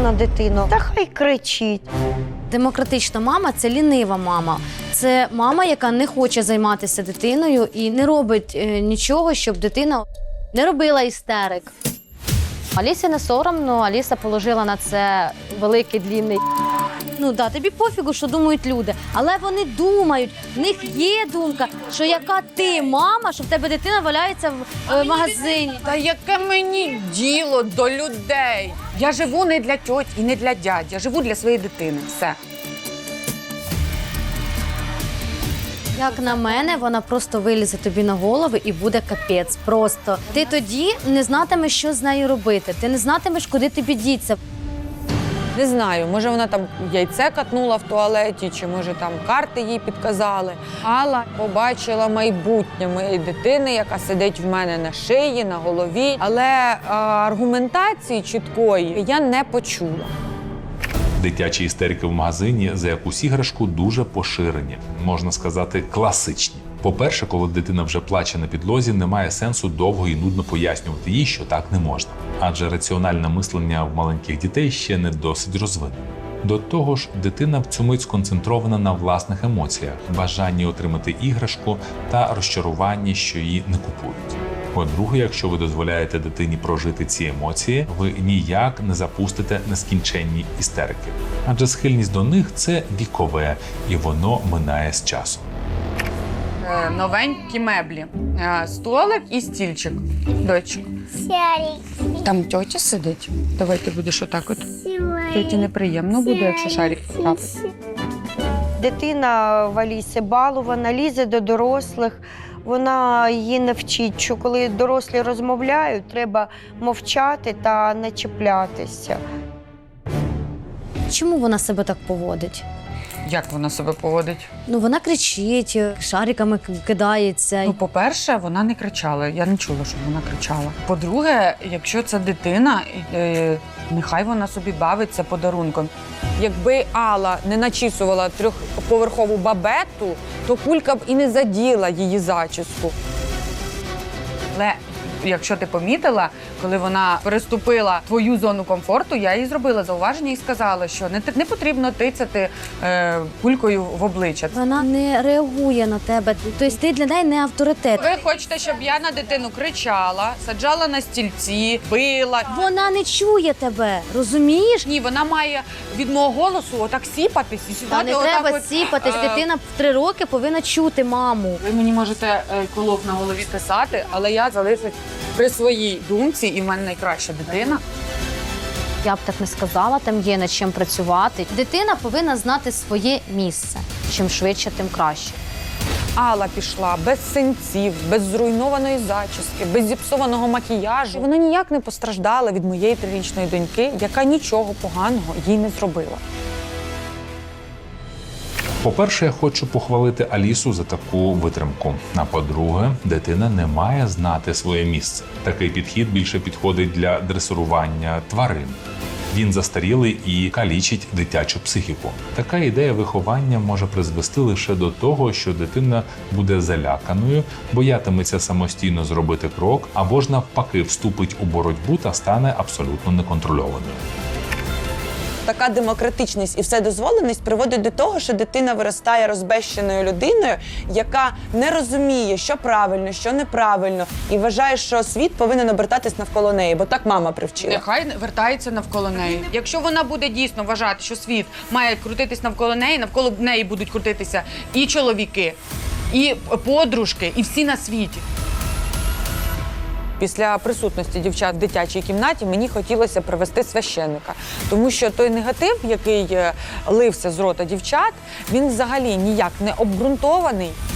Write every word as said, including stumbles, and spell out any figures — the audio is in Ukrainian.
на дитину, та хай кричить. Демократична мама – це лінива мама. Це мама, яка не хоче займатися дитиною і не робить е, нічого, щоб дитина не робила істерик. Алісі не соромно, Аліса положила на це великий, длінний. Ну да, тобі пофігу, що думають люди, але вони думають, в них є думка, що яка ти мама, що в тебе дитина валяється в е, магазині. Та яке мені діло до людей? Я живу не для тьоть і не для дядь, я живу для своєї дитини, все. Як на мене, вона просто вилізе тобі на голову і буде капець. Просто. Ти тоді не знатимеш, що з нею робити, ти не знатимеш, куди тобі діться. Не знаю, може вона там яйце катнула в туалеті, чи може там карти їй підказали. Алла побачила майбутнє моєї дитини, яка сидить в мене на шиї, на голові. Але а, аргументації чіткої я не почула. Дитячі істерики в магазині за якусь іграшку дуже поширені, можна сказати, класичні. По-перше, коли дитина вже плаче на підлозі, немає сенсу довго і нудно пояснювати їй, що так не можна. Адже раціональне мислення в маленьких дітей ще не досить розвинене. До того ж, дитина в цю мить сконцентрована на власних емоціях, бажанні отримати іграшку та розчаруванні, що її не купують. По-друге, якщо ви дозволяєте дитині прожити ці емоції, ви ніяк не запустите нескінченні істерики. Адже схильність до них – це вікове, і воно минає з часом. Е, новенькі меблі. Е, столик і стільчик. Дочок. Шарик. Там тьотя сидить. Давай ти будеш отак от. Тьоті неприємно буде, якщо шарик потрапить. Дитина в Алісі балована, лізе до дорослих. Вона її не вчить, що коли дорослі розмовляють, треба мовчати та не чіплятися. Чому вона себе так поводить? Як вона себе поводить? Ну, вона кричить, шариками к- кидається. Ну, по-перше, вона не кричала. Я не чула, щоб вона кричала. По-друге, якщо це дитина, е, нехай вона собі бавиться подарунком. Якби Алла не начісувала трьохповерхову бабету, то кулька б і не заділа її зачіску. Але якщо ти помітила, коли вона переступила твою зону комфорту, я їй зробила зауваження і сказала, що не, не потрібно тицяти е, кулькою в обличчя. Вона не реагує на тебе. Тобто ти для неї не авторитет. Ви хочете, щоб я на дитину кричала, саджала на стільці, била? Вона не чує тебе, розумієш? Ні, вона має від мого голосу отак сіпатись і Та сідати не отак треба от, сіпатись. е, Дитина в три роки повинна чути маму. Ви мені можете е, колок на голові писати, але я залишусь при своїй думці, і в мене найкраща дитина. Я б так не сказала, там є над чим працювати. Дитина повинна знати своє місце. Чим швидше, тим краще. Алла пішла без синців, без зруйнованої зачіски, без зіпсованого макіяжу. Вона ніяк не постраждала від моєї трирічної доньки, яка нічого поганого їй не зробила. По-перше, я хочу похвалити Алісу за таку витримку. А по-друге, дитина не має знати своє місце. Такий підхід більше підходить для дресирування тварин. Він застарілий і калічить дитячу психіку. Така ідея виховання може призвести лише до того, що дитина буде заляканою, боятиметься самостійно зробити крок, або ж навпаки вступить у боротьбу та стане абсолютно неконтрольованою. Така демократичність і вседозволеність приводить до того, що дитина виростає розбещеною людиною, яка не розуміє, що правильно, що неправильно, і вважає, що світ повинен обертатись навколо неї, бо так мама привчила. Нехай вертається навколо неї. Якщо вона буде дійсно вважати, що світ має крутитись навколо неї, навколо неї будуть крутитися і чоловіки, і подружки, і всі на світі. Після присутності дівчат в дитячій кімнаті мені хотілося привести священника. Тому що той негатив, який лився з рота дівчат, він взагалі ніяк не обґрунтований.